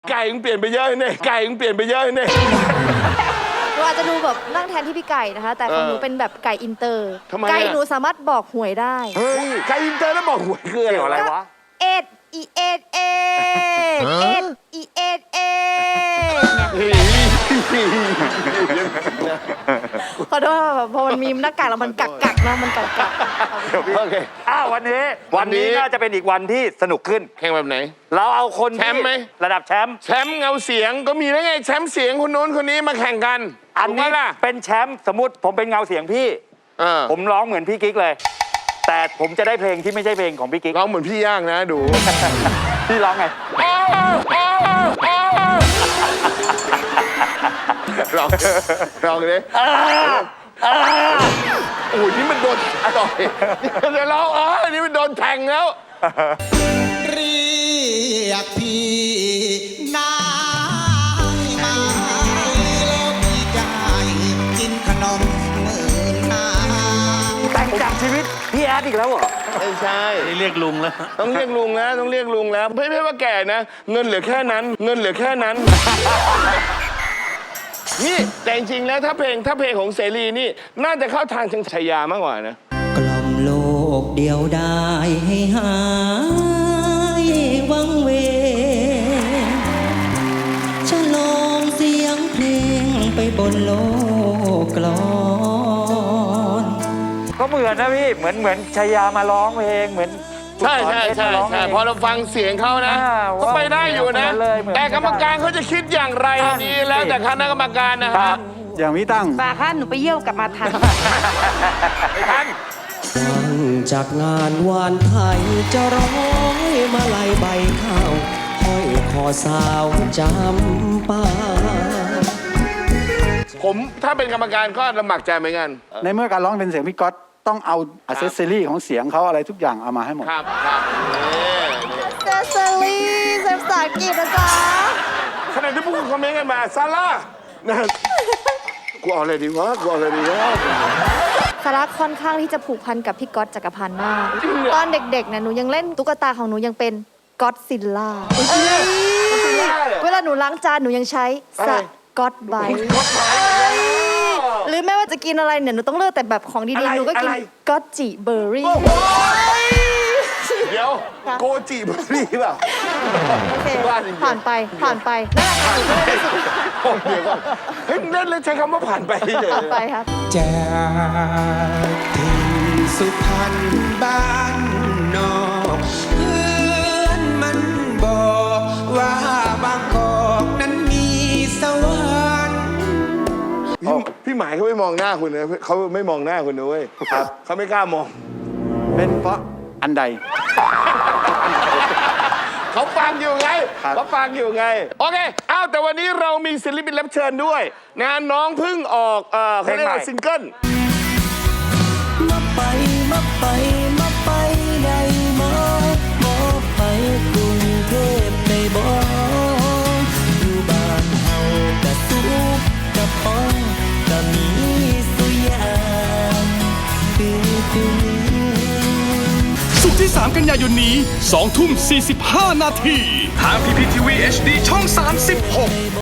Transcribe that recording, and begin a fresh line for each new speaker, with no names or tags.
ไก่มึงเปลี่ยนไปเยอะเนี่ยไก่มึงเปลี่ยนไปเยอะเนี่ย
หนูอาจจะดูแบบนั่งแทนที่พี่ไก่นะคะแต่ของหนูเป็นแบบไก่อินเตอร์ไก่หนูสามารถบอกหวยได้
ไก่อินเตอร์แล้วบอกหวยคืออะไรวะ
เอ็ดอีเอ็ดเอ็ดอีเอ็ดเอ็ดขอโทษแบบพอมันมีหน้ากากแล้วมันกักนะมันกัก
โอเควันนี้น่าจะเป็นอีกวันที่สนุกขึ้น
แข่งแบบไหน
เราเอาคน
แชมป์ไหม
ระดับแชมป์
เงาเสียงก็มีแล้วไงแชมป์เสียงคนโน้นคนนี้มาแข่งกัน
อันนี้เป็นแชมป์สมมติผมเป็นเงาเสียงพี่ผมร้องเหมือนพี่กิ๊กเลยแต่ผมจะได้เพลงที่ไม่ใช่เพลงของพี่กิ๊ก
ร้องเหมือนพี่ย่างนะดู
พี่ร้องไง
ร้องเลยโอ้ยนี่มันโดนต่อยเดี๋ยวร้องนี่มันโดนแทงแล้ว
เรียกพี่นางมาแล้วพี่จะกินขนมเงินนา
แต่งจากชีวิตพี่แอดอีกแล้วเหรอ
ไม่ใช่
เรียกลุงแล้ว
ต้องเรียกลุงแล้วต้องเรียกลุงแล้วไม่ว่าแก่นะเงินเหลือแค่นั้นนี่แต่จริงๆแล้วถ้าเพลงของเสรีนี่น่าจะเข้าทางชัยยามากกว่านะ
กล่อมโลกเดียวได้ให้หายวังเวฉลองเสียงเพลงไปบนโลกกลอน
ก็เหมือนนะพี่เหมือนชายามาร้องเพลงเหมือน
ใช่พอเราฟังเสียงเขานะก็ไปได้อยู่นะแต่กรรมการเขาจะคิดอย่างไรนี่แล้วแต่คณะกรรมการนะครับ
อย่างพี่ตั้ง
ป่าค่ะหนูไปเยี่ยวกลับมาทัน
ไม่ทัน
จากงานวานไทยจะร้อยมาลายใบข้าวห้อยคอสาวจำปา
ผมถ้าเป็นกรรมการก็ลำบากใจเหมือนกัน
ในเมื่อการร้องเป็นเสียงพี่ก๊อตต้องเอาอัเซสซอรี่ของเสียงเขาอะไรทุกอย่างเอามาให้หมด
ครับ
อัเซสซอรี่ภาษาอังกฤษนะจ๊ะ
ขณะที่ผู้คนคอมเมนต์กันมาซาร่ากูเอาอะไรดีวะ
ซาร่าค่อนข้างที่จะผูกพันกับพี่ก๊อตจักรพันธ์มากตอนเด็กๆเนี่ยหนูยังเล่นตุ๊กตาของหนูยังเป็นก๊อตซิลล่าเวลาหนูล้างจานหนูยังใช้สก๊อตไบท์หรือไม่ว่าจะกินอะไรเนี่ยหนูต้องเลือกแต่แบบของดีๆหนูก็กินก๊อตจิเบอร์รี่
เดี๋ยวโกจิเบอร์รี่เปล่า
โอเคผ่านไปนั่นแหละค่ะ
เดี๋ยวก่อนเฮ้ยเล่นเลยใช้คำว่าผ่านไปเลย
ผ่านไปครับ
จากที่สุพรรณบ้านนอกเพื่อนมันบอกว่าบางกอกนั้นมีสวรรค์
พี่หมายเขาไม่มองหน้าคุณนะเขาไม่มองหน้าคุณด้วยครับเขาไม่กล้ามอง
เป็นเพราะอันใด
เขาฟังอยู่ไงโอเคแต่วันนี้เรามีศิลปินรับเชิญด้วยนะน้องเพิ่งออกเขาเรียกว่าซิงเกิล
มาไปได้มาไปกรุงเทพได้บ่อยู่บ้านเฮากะสุกกะพองกะมีสุยาม
ศุกร์ที่ 3 กันยายนนี้ 20:45 นาทีทาง PPTV HD ช่อง 36